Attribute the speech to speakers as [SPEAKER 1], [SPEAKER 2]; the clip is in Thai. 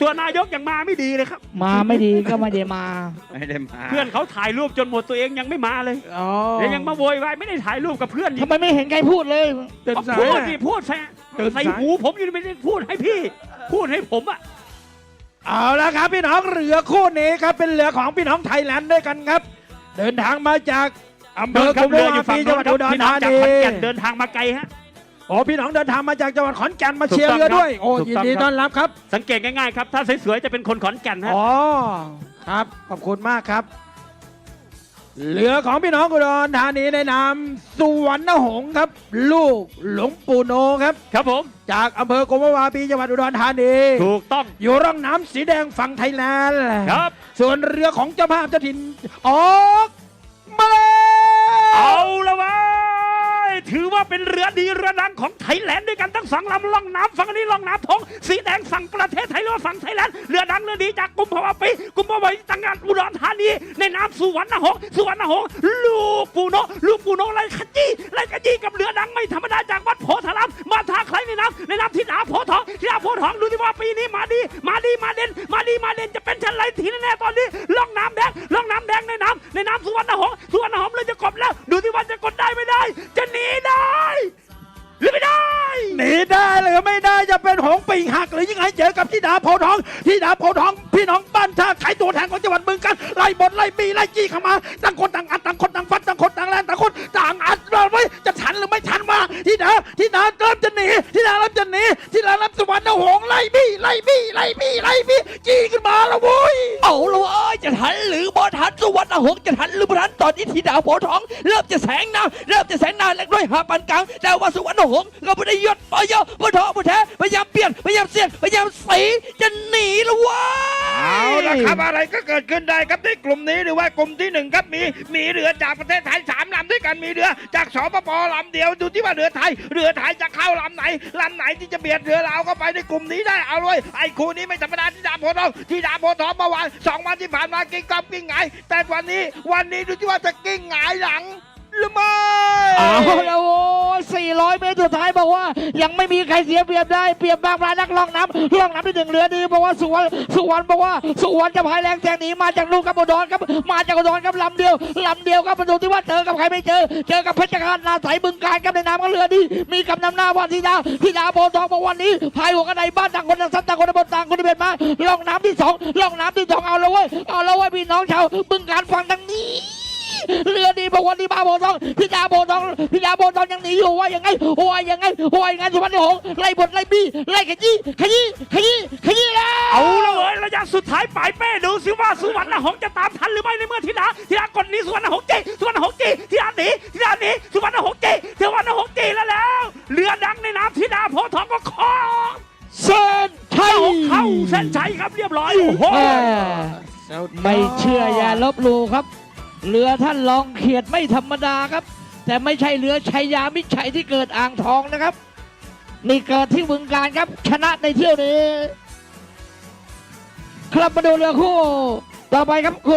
[SPEAKER 1] ตัวนายกยังมาไม่ดีเลยครับ
[SPEAKER 2] มาไม่ดีก็ไม่ได้มา
[SPEAKER 1] เพื่อนเขาถ่ายรูปจนหมดตัวเองยังไม่มาเลยแล้วยังมาโวยวายไม่ได้ถ่ายรูปกับเพื่อน
[SPEAKER 2] ทำไมไม่เห็นใครพูดเลย
[SPEAKER 1] พูดดิพูดใส่หูผมอยู่ไม่ได้พูดให้พี่พูดให้ผมอะ
[SPEAKER 3] เอาละครับพี่น้องเรือคู่นี้ครับเป็นเรือของพี่น้องไทยแลนด์ด้วยกันครับเดินทางมาจากอำเภอกุมภาวะปีจังหวัดอุดรธานี
[SPEAKER 1] เดินทางมาไกลฮะ
[SPEAKER 3] โอ้พี่น้องเดินทางมาจากจังหวัดขอนแก่นมาเชียร์เรือด้วยโอ้ยินดีต้อนรับครับ
[SPEAKER 1] สังเกตง่ายๆครับถ้าสวยๆจะเป็นคนขอนแก่นฮะ
[SPEAKER 3] อ๋อครับขอบคุณมากครับเรือของพี่น้องอุดรธานีในนามสุวรรณหงส์ครับลูกหลวงปู่โนครับ
[SPEAKER 1] ครับผม
[SPEAKER 3] จากอำเภอกุมภาวะปีจังหวัดอุดรธานี
[SPEAKER 1] ถูกต้อง
[SPEAKER 3] อยู่ร่องน้ำสีแดงฝั่งไทยแลนด์
[SPEAKER 1] ครับ
[SPEAKER 3] ส่วนเรือของเจ้าภาพเจ้าถิ่นออกมาแล้ว
[SPEAKER 1] เอาละวะถือว่าเป็นเรือดีเรือดังของไทยแลนด์ด้วยกันทั้งสองลำล่องน้ำฝั่งนี้ล่องน้ำทองสีแดงฝั่งประเทศไทยหรือว่าฝั่งไทยแลนด์เรือดังเรือดีจากกุมภาวะปีกุมภาวะปีจังหวัดอุดรธานีในน้ำสุวรรณหงส์ลูกปูโนไล่ขยี้กับเรือดังไม่ธรรมดาจากวัดโพธารามมาท่าใครในน้ำทิดาโพธิ์ทองดูที่ว่าปีนี้มาเด่นจะเป็นชั้นไรทีแน่ๆตอนนี้ล่องน้ำแดงในน้ำสุวรรณหงส์เลยจะกบแล้วดูที่ว่าจะกดได้ไม่ได้จะหนีได้หรือไม่ได้
[SPEAKER 3] หนีได้หรือไม่ได้จะเป็นหงปีกหักหรือยังไงเจอกับธิดาโพธิ์ทองพี่น้องบ้านท่าไขตัวแทนของจังหวัดบึงกาฬไล่บดไล่บีไล่จี้เข้ามาต่างคนต่างอัดต่างคนต่างฟัดต่างคนต่างแรงต่างคนต่างอัดเราไว้จะทันหรือไม่ทันมาธิดาเริ่มจะหนีธิดาเริ่มสุวรรณหงส์ไล่บีจี้ขึ้นมาแล้วโว้ย
[SPEAKER 2] เอาละจะทันหรือบ่ทันสุวรรณหงส์จะทันหรือบ่ทันตอนนี้ธิดาโพธิ์ทองเริ่มจะแสงหน้าเล็กน้อยหาปานกลางแต่ว่าสุวรรณหงส์ก็ไม่ได้ยศปอยปท้อปแท้พยายามเปลี่ยนพยายามเสียดพยายามสีจะหนีแล้ววะ
[SPEAKER 4] เอาละครับอะไรก็เกิดขึ้นได้ครับในกลุ่มนี้หรือว่ากลุ่มที่1ครับมีเรือจากประเทศไทย3 ลำด้วยกันมีเรือจากสปปลำเดียวดูที่ว่าเรือไทยจะเข้าลำไหนที่จะเบียดเรือเราเข้าไปในกลุ่มนี้ได้เอาเลยไอ้คู่นี้ไม่ธรรมดาธิดาโพธิ์ทองเมื่อวาน2 วันที่ผ่านมากิ้งกอบกิ้งไงแต่วันนี้ดูที่ว่าจะกิ้งไงหลังหรือไม่
[SPEAKER 2] เอาแล้ว400 เมตรสุดท้ายบอกว่ายังไม่มีใครเสียเปรียบได้เปรียบบางรายนักล่องน้ำที่1เรือดีบอกว่าสุวรรณบอกว่าสุวรรณจะพายแรงแซงหนีมาจากลูกกับอุดรครับมาจากอุดรครับลำเดียวครับประตูที่ว่าเจอกับใครไม่เจอกับเพชรฆาตนาใสบึงกาฬครับในน้ำก็เรือดีมีกำนำหน้าว่าธิดาโพธิ์ทองบอกวันนี้พายหัวกระไดบ้านต่างคนต่างซัดต่างคนบนต่างคนเบียดมาล่องน้ำที่2เอาแล้วเว้ยพี่น้องชาวบึงกาฬฟังทางนี้เรือดีบอกวันนี้มาโพธิ์ทองธิดาโพธิ์ทองยังหนีอยู่ว่ายังไงสุวรรณหงส์ไล่บดไล่บี้ไล่ขยี้แล้ว
[SPEAKER 1] เอาละเว้ยระยะสุดท้ายปลายเป้ดูสิว่าสุวรรณหงส์จะตามทันหรือไม่ในเมื่อธิดากดนี้สุวรรณหงส์จีธิดาหนีสุวรรณหงส์จีแล้วเรือดังในน้ำธิดาโพธิ์ทองก็คล้อง
[SPEAKER 2] เส้นชัย
[SPEAKER 1] เข้าเส้นชัยครับเรียบร้อยโอ้โห
[SPEAKER 2] ไม่เชื่ออย่าลบหลู่ครับเรือท่านลองเขียดไม่ธรรมดาครับแต่ไม่ใช่เรือชัยยามิตรชัยที่เกิดอ่างทองนะครับนี่เกิดที่บึงกาฬครับชนะในเที่ยวนี้ครับมาดูเรือคู่ต่อไปครับ